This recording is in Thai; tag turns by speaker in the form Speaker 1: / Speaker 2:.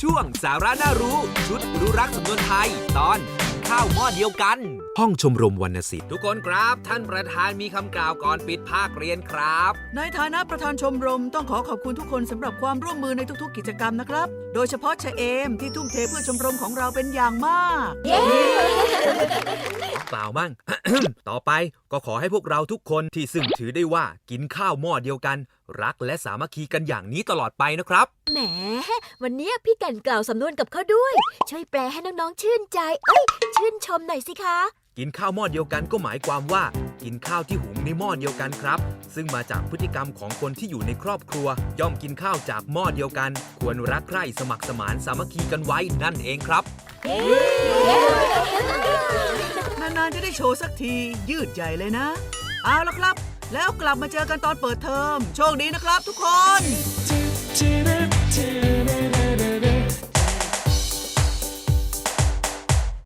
Speaker 1: ช่วงสาระน่ารู้ชุดรู้รักสำนวนไทยตอนข้าวหม้อเดียวกันห้องชมรมวรรณศิลป์ทุกคนครับท่านประธานมีคำกล่าวก่อนปิดภาคเรียนครับ
Speaker 2: ในฐานะประธานชมรมต้องขอบคุณทุกคนสำหรับความร่วมมือในทุกๆกิจกรรมนะครับโดยเฉพาะชะเอมที่ทุ่มเทเพื่อชมรมของเราเป็นอย่างมาก
Speaker 1: เปล่ามั่ง ต่อไปก็ขอให้พวกเราทุกคนที่ซึ่งถือได้ว่ากินข้าวหม้อเดียวกันรักและสามัคคีกันอย่างนี้ตลอดไปนะครับ
Speaker 3: แหมวันนี้พี่แก่นกล่าวสำนวนกับเขาด้วยช่วยแปลให้น้องๆชื่นใจชื่นชมหน่อยสิคะ
Speaker 1: กินข้าวหม้อเดียวกันก็หมายความว่ากินข้าวที่หุงในหม้อเดียวกันครับซึ่งมาจากพฤติกรรมของคนที่อยู่ในครอบครัวย่อมกินข้าวจากหม้อเดียวกันควรรักใคร่สมัครสมานสามัคคีกันไว้นั่นเองครับ
Speaker 2: นานๆจะได้โชว์สักทียืดใหญ่เลยนะเอาละครับแล้วกลับมาเจอกันตอนเปิดเทอมโชคดีนะครับทุกคน